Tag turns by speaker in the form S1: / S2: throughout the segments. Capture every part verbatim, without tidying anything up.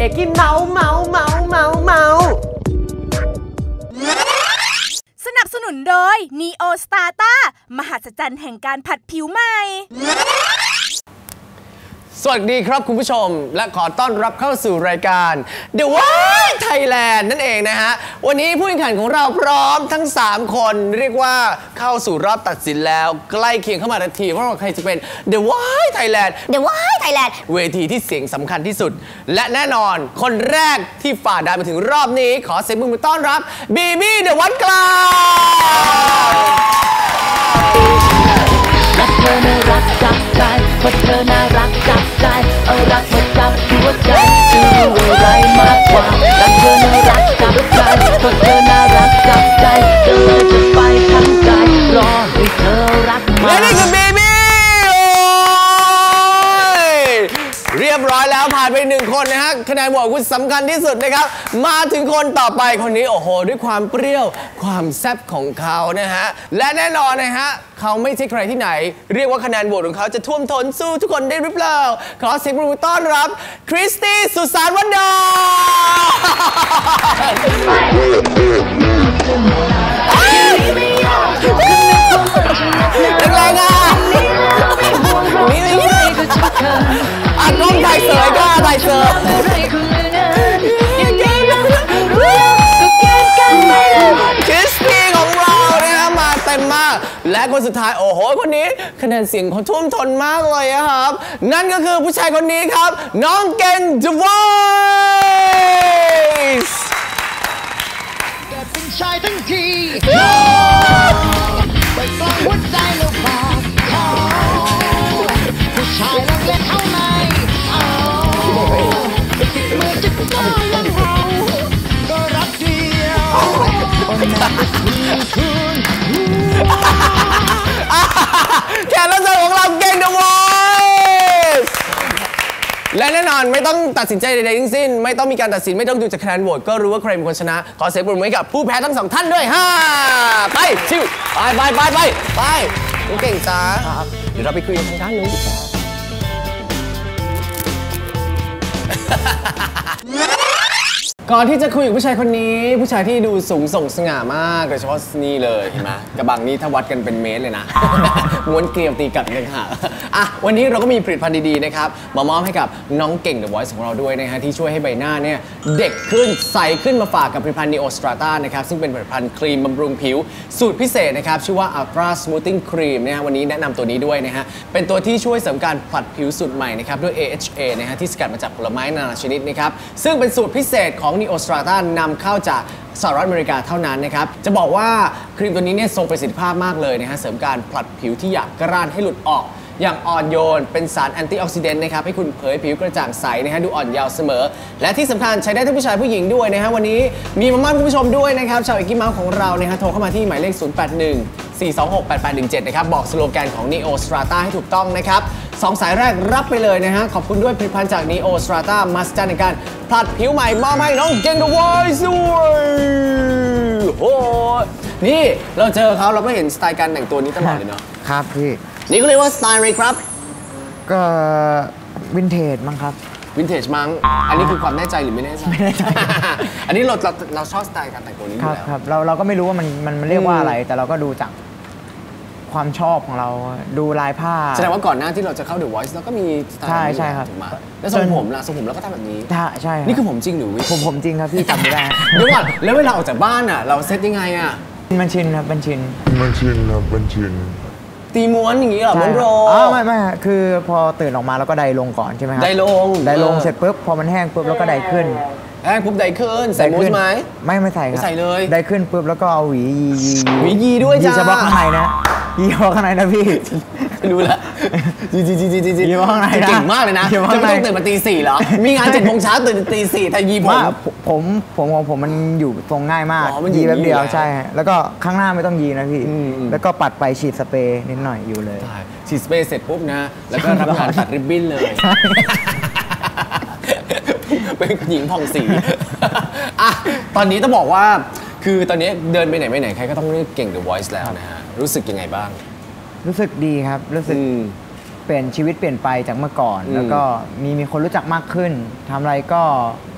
S1: อกกี้เมาเมาเมาเมาเมา
S2: สนับสนุนโดย Neo Strata มหัศจรรย์แห่งการผัดผิวใหม่
S1: สวัสดีครับคุณผู้ชมและขอต้อนรับเข้าสู่รายการ The Voice Thailand นั่นเองนะฮะวันนี้ผู้แข่งขันของเราพร้อมทั้งสามคนเรียกว่าเข้าสู่รอบตัดสินแล้วใกล้เคียงเข้ามาทันทีว่าใครจะเป็น The Voice Thailand
S3: The Voice Thailand
S1: เวทีที่เสียงสำคัญที่สุดและแน่นอนคนแรกที่ฝ่าด่านมาถึงรอบนี้ขอเสียงปรบมือต้อนรับบีบี้เดอะวัดกลาง
S4: รักเธอน่ารักจับใจเพราะเธอน่ารักจับใจเอารักมาจับหัวใจจะรู้อะไรมากกว่ารักเธอน่ารักจับใจเพราะเธอน่ารักจับใจจะเลยจะไปทั้งใจรอให้เธอรักมา
S1: และนี่คือบีบี้เรียบร้อยแล้วผ่านไปหนึ่งคนนะฮะคะแนนโหวตคุณสำคัญที่สุดนะครับมาถึงคนต่อไปคนนี้โอ้โหด้วยความเปรี้ยวความแซ่บของเขานะฮะและแน่นอนนะฮะเขาไม่ใช่ใครที่ไหนเรียกว่าคะแนนโหวตของเขาจะท่วมท้นสู้ทุกคนได้หรือเปล่าขอเสียงปรบมือต้อนรับคริสตี้สุสานวันดาแรงๆอ่ะนี่นี่อ่ะกล้องถ่ายเสยก็ถ่ายเสยคริสตี้ของเราเนี่ยนะมาเต็มมากและคนสุดท้ายโอ้โหคนนี้คะแนนเสียงเขาท่วมท้นมากเลยครับนั่นก็คือผู้ชายคนนี้ครับน้องเก่ง The Voice
S4: เกิดเป็นชายทั้งทีไปฟังหัวใจแล้วบอกผู้ชายรักเล่นเอาไหนติดมือจะก้าวยังเราก็รักเดียวคนนั้นคือคุณ
S1: แขกรับเชิญของเราเก่ง The Voice และแน่นอนไม่ต้องตัดสินใจใดๆทั้งสิ้นไม่ต้องมีการตัดสินไม่ต้องดูจากคะแนนโหวตก็รู้ว่าใครเป็นคนชนะขอเสียงปรบมือให้กับผู้แพ้ทั้งสองท่านด้วยฮ่าไปชิวไปไปไปไปไปเก่งจ้าเดี๋ยวเราไปคุยกันทางด้านนู้นดีกว่าก่อนที่จะคุยกับผู้ชายคนนี้ผู้ชายที่ดูสูงส่งสง่ามากโดยเฉพาะนี่เลยเห็นไหมกระบังนี้ถ้าวัดกันเป็นเมตรเลยนะม้วนเกลียวตีกัดกันค่ะอ่ะวันนี้เราก็มีผลิตภัณฑ์ดีๆนะครับมามอบให้กับน้องเก่ง The Voice ของเราด้วยนะฮะที่ช่วยให้ใบหน้าเนี่ยเด็กขึ้นใสขึ้นมาฝากกับผลิตภัณฑ์ Neo Strata นะครับซึ่งเป็นผลิตภัณฑ์ครีมบำรุงผิวสูตรพิเศษนะครับชื่อว่า Ultra Smoothing Cream นะฮะวันนี้แนะนำตัวนี้ด้วยนะฮะเป็นตัวที่ช่วยเสริมการผลัดผิวสูตรใหม่นะครับด้วย เอ เอช เอ นะฮะที่สกัดมาจากผลไม้นานาชนิดนะครับซึ่งเป็นสูตรพิเศษของ Neo Strata นำเข้าจากสหรัฐอเมริกาเท่านั้นนะครับจะบอกว่าครีมตัวนี้เนี่ยทรงประสิทธิภาพมากเลยนะฮะเสริมการผลัดผิวที่หยาบกร้านให้หลุดออกอย่างอ่อนโยนเป็นสารแอนตี้ออกซิเดนต์นะครับให้คุณเผยผิวกระจ่างใสนะฮะดูอ่อนเยาว์เสมอและที่สำคัญใช้ได้ทั้งผู้ชายผู้หญิงด้วยนะฮะวันนี้มีมามอบคุณผู้ชมด้วยนะครับชาวเอกกี้เมาส์ของเรานะฮะโทรเข้ามาที่หมายเลขศูนย์ แปด หนึ่ง สี่ สอง หก แปด แปด หนึ่ง เจ็ดนะครับบอกสโลแกนของ Neo Strata ให้ถูกต้องนะครับสองสายแรกรับไปเลยนะฮะขอบคุณด้วยผลิตภัณฑ์จาก Neo Strata มาสเตอร์ในการผลัดผิวใหม่มอบให้น้องเก่ง The Voice ด้วยโอ้นี่เราเจอเขาเราก็เห็นสไตล์การแต่งตัวนี้ตลอดเลยเนาะ
S5: ครับพี่
S1: นี่ก็เรียกว่าสไตล์อะไรครับ
S5: ก็วินเทจมั้งครับ
S1: วินเทจมั้งอันนี้คือความแน่ใจหรือไม่แน่ใจ
S5: ไม่แน่ใจ
S1: อันนี้เราเราเราชอบสไตล์การแต่งตัวนี้อยู่แล้ว
S5: ครับเราเราก็ไม่รู้ว่ามันมันมันเรียกว่าอะไรแต่เราก็ดูจากความชอบของเราดูลายผ้า
S1: แสดงว่าก่อนหน้าที่เราจะเข้า The Voice เราก็มีสไตล์
S5: ใช่ใช่ครับ
S1: แล้วทรงผมล่ะทรงผมเราก็ทำแบบนี้
S5: ใช่
S1: นี่คือผมจริงหรือ
S5: ผมผมจริงครับพี่จำไม่ได้
S1: เดี๋ยวก่อนแล้วเวลาออกจากบ้านอ่ะเราเซตยังไงอ่ะ
S5: มันชินครับมันชิน
S6: มันชินครับมันชิน
S1: ตีม้วนอย่างนี้เหรอม้วนโร
S5: อ๋อไม่ไม่คือพอตื่นออกมาแล้วก็ไดลงก่อนใช่ไหมครับ
S1: ไดลง
S5: ไดลงเสร็จปุ๊บพอมันแห้งปุ๊บแล้วก็ไดขึ้น
S1: แห้งปุ๊บไดขึ้นใส่มูสไหม
S5: ไม่ไม่ใส่ครับ
S1: ใส่เลย
S5: ไดขึ้นปุ๊บแล้วก็เอาหวียียี
S1: หวียีด้วยจ้า
S5: ยีเฉพาะข้างในนะยีเฉพาะข้างในนะพี่
S1: รู้แล้วจีจีจีจีจี
S5: ยีเฉพาะข้างใน
S1: เก่งมากเลยนะจะไม่ต้องตื่นมาตีสี่เหรอมีงานเจ็ดโมงเช้าตื่นตีสี่แต่ยีผม
S5: ผมผมของผมมันอยู่ทรงง่ายมากยีแป๊บเดียวใช่แล้วก็ข้างหน้าไม่ต้องยีนะพี่แล้วก็ปัดไปฉีดสเปรย์นิดหน่อยอยู่เลย
S1: ฉีดสเปรย์เสร็จปุ๊บนะแล้วก็รับงานตัดริบบิ้นเลยเป็นหญิงผ่องสีอ่ะตอนนี้ต้องบอกว่าคือตอนนี้เดินไปไหนไปไหนใครก็ต้องเรียกเก่ง The Voice แล้วนะฮะรู้สึกยังไงบ้าง
S5: รู้สึกดีครับรู้สึกเปลี่ยนชีวิตเปลี่ยนไปจากเมื่อก่อนแล้วก็มีมีคนรู้จักมากขึ้นทำอะไรก็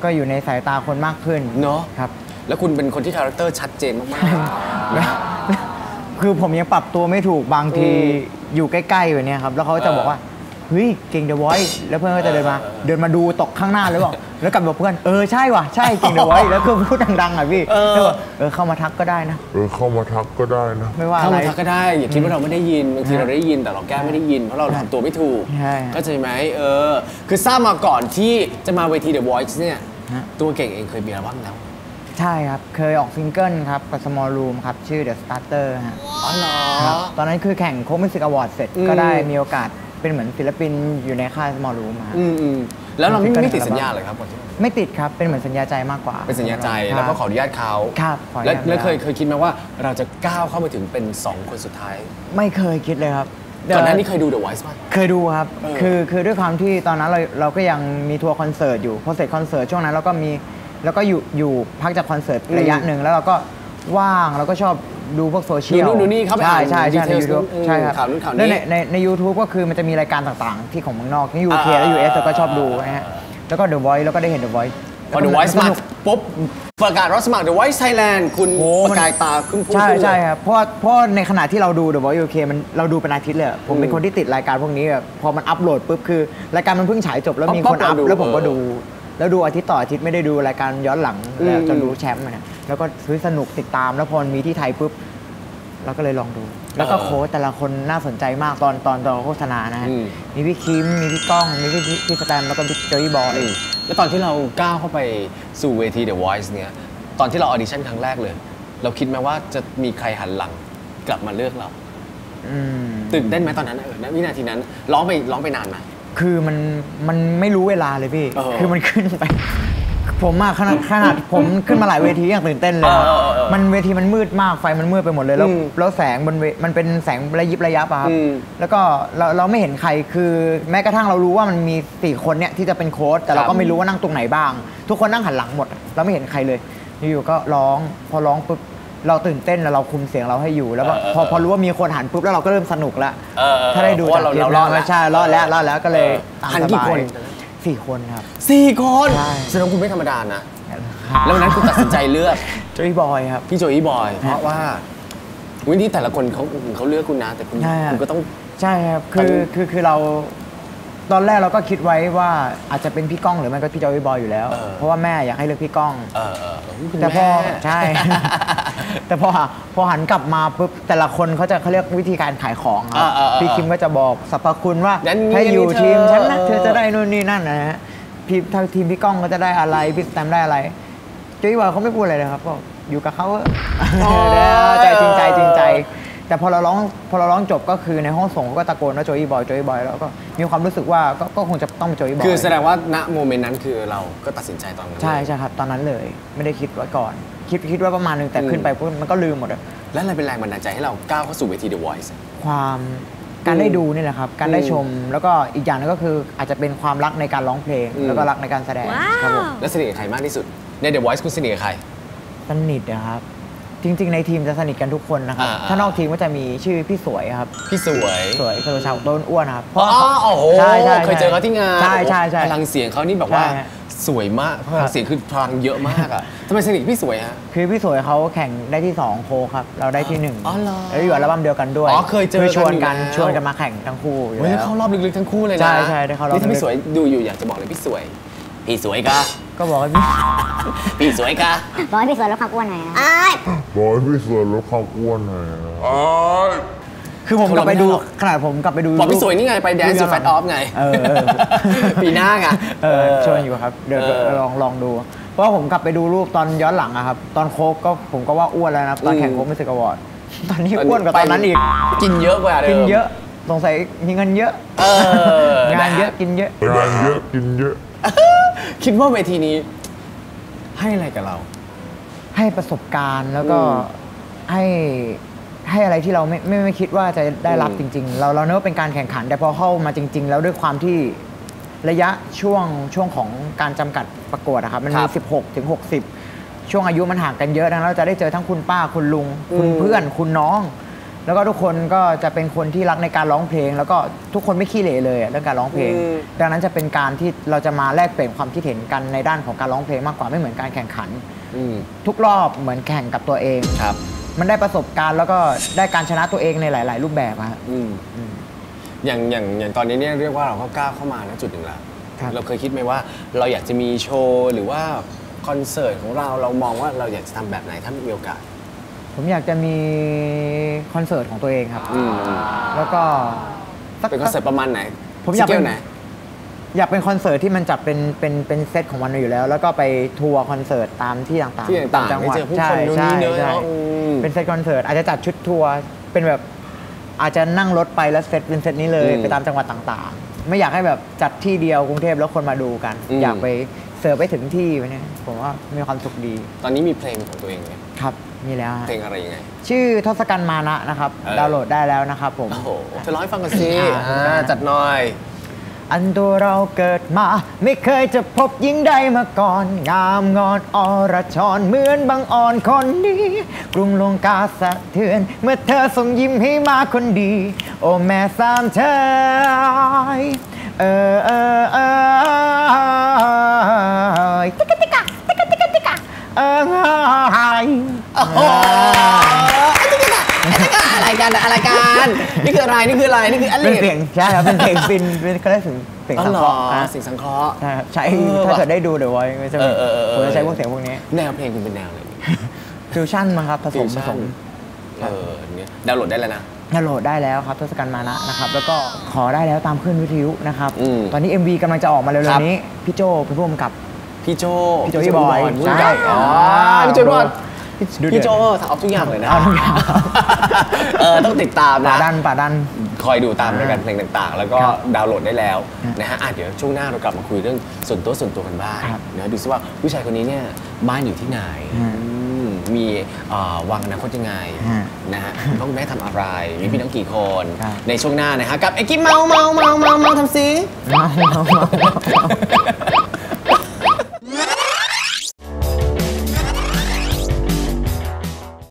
S5: ก็อยู่ในสายตาคนมากขึ้น
S1: เนาะ
S5: ครับ
S1: แล้วคุณเป็นคนที่คาแรคเตอร์ชัดเจนมากๆ
S5: คือผมยังปรับตัวไม่ถูกบางทีอยู่ใกล้ๆแบบนี้ครับแล้วเขาจะบอกว่าเฮ้ยเก่ง The Voice แล้วเพื่อนก็จะเดินมาเดินมาดูตกข้างหน้าแล้วบอกแล้วกลับบอกเพื่อนเออใช่ว่ะใช่เก่ง The Voice แล้วก็พูดดังๆอ่ะพี่แล้วบอกเออเข้ามาทักก็ได้นะ
S3: เออเข้ามาทักก็ได้นะ
S5: ไม่ว่า
S1: เข้า
S5: อะไร
S1: มาทักก็ได้อย่าคิดว่าเราไม่ได้ยินบางทีเราได้ยินแต่เราแก้ไม่ได้ยินเพราะเราทำตัวไม่ถูก
S5: ใช่
S1: เข้าใจไหมเออคือทราบมาก่อนที่จะมาเวที The Voice เนี่ย
S5: ฮะ
S1: ตัวเก่งเองเคยมีอัลบั้มแล้ว
S5: ใช่ครับเคยออกซิงเกิลครับกับ Small Room ครับชื่อ The Starter ฮะ
S1: อ๋อเหรอ
S5: ครับตอนนั้นคือแข่งโค้กมิวสิกอวอร์ดเสร็จ
S1: อืม
S5: ก็ได้มีโอกาสเป็นเหมือนศิลปินอยู่ในค่าย Small Room ฮะ
S1: อืมอืมแล้วเราไม่
S5: เป็น
S1: ไม่ติด
S5: อัลบั้ม
S1: สัญญาเลยครับก่อนที่
S5: ไม่ติดครับเป็นเหมือนสัญญาใจมากกว่า
S1: เป็นสัญญาใจ
S5: ครับ
S1: แล้วก็ขออนุญาตเขา
S5: ครับขออนุ
S1: แล้ว
S5: ญาต
S1: แล้วเคยเคยคิดไหมว่าเราจะก้าวเข้ามาถึงเป็นสองคนสุดท้าย
S5: ไม่เคยคิดเลยครับ
S1: ก่อนหน้านี้เคยดู The Voice ป่ะ
S5: เคยดูครับ
S1: เออ
S5: คือคือด้วยความที่ตอนนั้นเราเราก็ยังมีทัวร์คอนเสิร์ตอยู่พอเสร็จคอนเสิร์ตช่วงนั้นเราก็มีแล้วก็อยู่อยู่พักจากคอนเสิร์ตระยะหนึ่งแล้วเราก็ว่างเราก็ชอบดูพวกโซเชียล
S1: ดูนู่นดูนี่เข้าไป
S5: ใช่
S1: อ่าน
S5: ใช่ใช่ใน
S1: details
S5: ยูทูบ
S1: อืม
S5: ใช่ครับ
S1: ข่าวนู้นข่าวนี้
S5: แล้วในในในยูทูบก็คือมันจะมีรายการต่างๆ ที่ของเมืองนอกที่ยูเคและยูเอสเราก็ชอบดูนะฮะแล้วก็ The Voice แล้วก็ได้เห็น The Voice
S1: พอ The Voice มาปุ๊บประกาศรับสมัคร The Voice Thailand คุณ
S5: โอ้
S1: ป
S5: มัน
S1: ระกายตาขึ้นพุ่ง
S5: ใช่
S1: ขึ้นเลย
S5: ใช่ครับเพราะว่าเพราะในขณะที่เราดู The Voice ยู เค มันเราดูเป็นอาทิตย์เลยอะผมเป็นคนที่ติดรายการพวกนี้แบบพอมันอัปโหลดปุ๊บคือรายการมันเพิ่งฉายจบแล้วมีคนอัพแล้วผมก็ดู แล้วดูอาทิตย์ต่ออาทิตย์ไม่ได้ดูรายการย้อนหลังแล้วจนรู้แชมป์มาเนี่ยแล้วก็ซื้อสนุกติดตามแล้วพอมีที่ไทยปุ๊บเราก็เลยลองดู แล้วก็โค้ชแต่ละคนน่าสนใจมากตอนตอนตอนโฆษณานะฮะมีพี่คิมมีพี่ก้องมีพี่พี่สแตมแล้วก็พี่โจยบอย
S1: แล้วตอนที่เราก้าวเข้าไปสู่เวที The Voice เนี่ยตอนที่เราออดิชั่นครั้งแรกเลย เราคิดไหมว่าจะมีใครหันหลังกลับมาเลือกเรา
S5: อืม
S1: ตื่นเต้นไหมตอนนั้นเออณวินาทีนั้นร้องไปร้องไปนานไหม
S5: คือมันมันไม่รู้เวลาเลยพี่
S1: เออ
S5: คือมันขึ้นไป ผมอะขนาดขนาดผมขึ้นมาหลายเวทีอย่างตื่นเต้นเลยครับ
S1: เออเออเออ
S5: มันเวทีมันมืดมากไฟมันมืดไปหมดเลยแล้ว
S1: อืม
S5: แล้วแสงบนเวมันเป็นแสงระยิบระยับอะครับ
S1: อืม
S5: แล้วก็เราเราไม่เห็นใครคือแม้กระทั่งเรารู้ว่ามันมีสี่คนเนี่ยที่จะเป็นโค้ชแต่เรา
S1: ครั
S5: ก็
S1: บ
S5: ไม่รู้ว่านั่งตรงไหนบ้าง ทุกคนนั่งหันหลังหมดเราไม่เห็นใครเลยอยู่ๆก็ร้องพอร้องปุ๊บเราตื่นเต้นแล้วเราคุมเสียงเราให้อยู่แล้วก็พอพอรู้ว่ามีคนหันปุ๊บแล้วเราก็เริ่มสนุกละ
S1: เออเออ
S5: ถ้าได้ดู
S1: เพราะ
S5: จาก
S1: ว่า
S5: คลิป
S1: เรา
S5: แล้ว
S1: รอดแล้ว
S5: ใช่รอดแล้วรอดแล้วก็เลยตาม
S1: หัน
S5: ส
S1: กี่
S5: บา
S1: คน
S5: ยสี่คนครับ
S1: สี่คน
S5: ใช่
S1: แสดงว่าคุณไม่ธรรมดานะ แล้ววันนั้นคุณตัดสินใจเลือก
S5: โจยบอยครับ
S1: พี่โจอี้บอย เพราะว่าวิธีแต่ละคนเขาเขาเลือกคุณนะ แต่คุณ
S5: ใช่อะ
S1: คุณก็ต้อง
S5: ใช่ครับ
S1: ตอน
S5: คือ
S1: นี้
S5: คือคือเราตอนแรกเราก็คิดไว้ว่าอาจจะเป็นพี่ก้องหรือไม่ก็พี่จอยบอยอยู่แล้ว
S1: เออ
S5: เพราะว่าแม่อยากให้เลือกพี่ก้อง
S1: เออเออเออคุณ
S5: แต่พอ
S1: ม่
S5: ใช่ แต่พอพอหันกลับมาปุ๊บแต่ละคนเขาจะเขาเรียกวิธีการขายของครั
S1: เออเออเออ
S5: พี่คิมก็จะบอกสรรพคุณว่า
S1: นั้น
S5: ถ้าอยู่
S1: นี่เธอ
S5: ทีมฉันนะ
S1: เออ
S5: เธอจะได้นู่นนี่นั่นนะฮะพี่ทางทีมพี่ก้องก็จะได้อะไรพี่สแตมได้อะไรจอยบอยเขาไม่พูดอะไรเลยครับก็อยู่กับเขาเถอะใจจริงใจจริงใจ แต่พอเราร้องพอเราร้องจบก็คือในห้องส่งเขาก็ตะโกนว่าโจยบอยโจยบอยแล้วก็มีความรู้สึกว่าก็ก็คงจะต้องเป็นโจยบอย
S1: คือแสดงว่าณโมเมนต์นั้นคือเราก็ตัดสินใจตอนนั้น
S5: ใช่ใช่ครับตอนนั้นเลยไม่ได้คิดไว้ก่อน คิดคิดว่าประมาณนึงแต่ขึ้นไปปุ๊บมันก็ลืมหมดอะ
S1: และอะไรเป็นแรงบันดาลใจให้เราก้าวเข้าสู่เวที The Voice
S5: ความการได้ดูนี่แหละครับ การได้ชมแล้วก็อีกอย่างนึงก็คืออาจจะเป็นความรักในการร้องเพลง
S1: อืม
S5: แล้วก็รักในการแสดงครับผม
S1: แล้วสนิทกับใครมากที่สุดใน The Voice คุณสนิทกับใคร
S5: สนิทนะครับ จริง ๆ ในทีมจะสนิทกันทุกคนนะครับ
S1: อ่าๆ
S5: ถ้านอกทีมก็จะมีชื่อพี่สวยครับ
S1: พี่สวย
S5: สวยคือชาวต้นอ้วนครับเพ
S1: อ๋
S5: ราะ
S1: อโอ้โห
S5: ใช่ใช่
S1: เคยเจอเขาที่งาน
S5: ใช่ใช่ใช่
S1: พลังเสียงเขานี่แบบว่า
S5: ใช่ฮะ
S1: สวยมากพลังเสียงคือพลังเยอะมากอ่ะทำไมสนิทกับพี่สวยฮะ
S5: คือพี่สวยเขาแข่งได้ที่สองโคครับ เราได้ที่หนึ่ง
S1: อ๋อเหรอ
S5: แล้วอยู่อัลบั้มเดียวกันด้วย
S1: อ๋อเคยเจอกัน
S5: ชวนกัน
S1: อยู่แล้ว
S5: ชวนกันมาแข่งทั้งคู่อยู่
S1: เฮ้ย
S5: แล้
S1: เข้าว รอบลึกๆทั้งคู่เลยนะ
S5: ใช่ใช่ได้เข้ารอบ
S1: นี่ถ้า
S5: ลึ
S1: พี่
S5: ก
S1: สวยดูอยู่อยากจะบอกเลยพี่สวย พี่สวยกะ
S5: ก็บอกว่าพี่
S1: พี่สวยกะ
S6: บอกให้พี่สวนลดความอ้วนหน่อยนะ
S3: บอกให้พี่ส่วนลดความอ้วนหน่อยนะ
S5: คือผมกลับไปดูขนาดผมกลับไปดู
S1: บอกพี่สวยนี่ไงไป Dance to Fat Off ไง
S5: เออเออ
S1: ปีหน้าไง
S5: เออชวนอยู่ครับเดี๋ยว
S1: เออ
S5: ลองลองดู เพราะว่าผมกลับไปดูรูปตอนย้อนหลังอะครับ ตอนโค้กก็ผมก็ว่าอ้วนแล้วนะตอนแข่งโค้กมิวสิกอวอร์ดตอนนี้อ้วนกว่าตอนนั้นอีก
S1: กินเยอะกว่าเดิม
S5: กินเยอะสงสัยมีเงินเยอะ
S1: เออง
S5: านเยอะกินเยอะ
S3: งานเยอะกินเยอะ
S1: คิดว่าเวทีนี้ให้อะไรกับเรา
S5: ให้ประสบการณ์แล้วก็
S1: อืม
S5: ให้ให้อะไรที่เราไม่ไม่ไม่คิดว่าจะได้รับ
S1: อื
S5: จ
S1: ม
S5: ริง ๆ เราเราเนึกว่าเป็นการแข่งขัน แต่พอเข้ามาจริง ๆ แล้วด้วยความที่ระยะช่วงช่วงของการจำกัดประกวดอะครับมัน
S1: ค
S5: มี
S1: รับ
S5: สิบหกถึงหกสิบช่วงอายุมันห่างกันเยอะดังนั้นเราจะได้เจอทั้งคุณป้าคุณลุง คุณ
S1: อืม
S5: เพื่อนคุณน้องแล้วก็ทุกคนก็จะเป็นคนที่รักในการร้องเพลง แล้วก็ทุกคนไม่ขี้เหร่เลยเรื่องการร้องเพลง ดังนั้นจะเป็นการที่เราจะมาแลกเปลี่ยนความคิดเห็นกันในด้านของการร้องเพลงมากกว่าไม่เหมือนการแข่งขันทุกรอบเหมือนแข่งกับตัวเอง
S1: ครับ
S5: มันได้ประสบการณ์แล้วก็ได้การชนะตัวเองในหลาย ๆ รูปแบบครับ
S1: อย่างอย่างอย่างตอนนี้เนี่ยเรียกว่าเราก็ก้าวเข้ามาณจุดหนึ่งแล้วเราเคยคิดไหมว่าเราอยากจะมีโชว์หรือว่าคอนเสิร์ตของเราเรามองว่าเราอยากจะทำแบบไหนถ้ามีโอกาส
S5: ผมอยากจะมีคอนเสิร์ตของตัวเองครับแล้วก็
S1: เป็นคอนเสิร์ตประมาณไหน
S5: ผมอยากเป็นอยากเป็นคอนเสิร์ตที่มันจัดเป็นเป็นเป็นเซตของมันอยู่แล้ว แล้วก็ไปทัวร์คอนเสิร์ตตามที่ต่างๆ
S1: ที่ต่างๆจังหวัดใช่ใช่ใช่
S5: เป็นเซตคอนเสิร์ตอาจจะจัดชุดทัวร์เป็นแบบอาจจะนั่งรถไปแล้วเซตเป็นเซตนี้เลยไปตามจังหวัดต่างๆไม่อยากให้แบบจัดที่เดียวกรุงเทพแล้วคนมาดูกันอยากไปเสิร์ฟไปถึงที่ไปเนี่ยผมว่ามีความสุขดี
S1: ตอนนี้มีเพลงของตัวเองไหม
S5: ครับมีแล้ว
S1: เพลงอะไรยังไง
S5: ชื่อทศกัณฐ์มานะนะครับดาวน์โหลดได้แล้วนะครับผม
S1: โอ้โหจะร้องให้ฟังกันสิจัดหน่อย
S5: อันตัวเราเกิดมาไม่เคยจะพบหญิงใดมาก่อนงามงอนอรชรเหมือนบางอ่อนคนนี้กรุงลงกาสะเทือนเมื่อเธอส่งยิ้มให้มาคนดีโอ้แม่สามเธอเออเออเออติ๊กติ๊กติ๊กติ๊กติ๊กเออไฮ
S1: โอ้โหอะไรกันอะไรกันนี่คืออะไรนี่คืออะไรนี่คืออะไร
S5: เป็นเสียงใช่ครับเป็นเสียงฟินเป็นเขาเรียกเสียงสังเคราะห์
S1: เสียงสังเคราะห์
S5: ใช่ครับใช้ถ้าเกิดได้ดูเดี๋ยวไว้จะผมจะใช้พวกเสียงพวกนี้
S1: แนวเพลงคุณเป็นแนวอะไร
S5: ฟิวชั่นมั้งครับผสมผสม
S1: เออเนี่ยดาวน์โหลดได้แล้วนะ
S5: ดาวน์โหลดได้แล้วครับทศกัณฐ์มานะนะครับแล้วก็ขอได้แล้วตามขึ้นวิทยุนะครับตอนนี้ เอ็ม วี กำลังจะออกมาเร็วๆนี้พี่โจเป็นผู้กำกับ
S1: พี่โจ
S5: พี่โจพี่บอย
S1: ใช่อ๋อพี่โจบอยพี่โจทำเอาทุกอย่างเลยนะเออต้องติดตามนะ
S5: ป่าดันป่าดัน
S1: คอยดูตามรายการเพลงต่างๆแล้วก็ดาวน์โหลดได้แล้วนะฮะเดี๋ยวช่วงหน้าเรากลับมาคุยเรื่องส่วนตัวส่วนตัวกันบ้างนะดูซิว่าผู้ชายคนนี้เนี่ยบ้านอยู่ที่ไหนมีวางอนาคตยังไงนะฮะต้องแม่ทำอะไรมีพี่น้องกี่คนในช่วงหน้านะฮะกับไอ้กิ๊บเมาเมาเมาเมาเมาทำซิ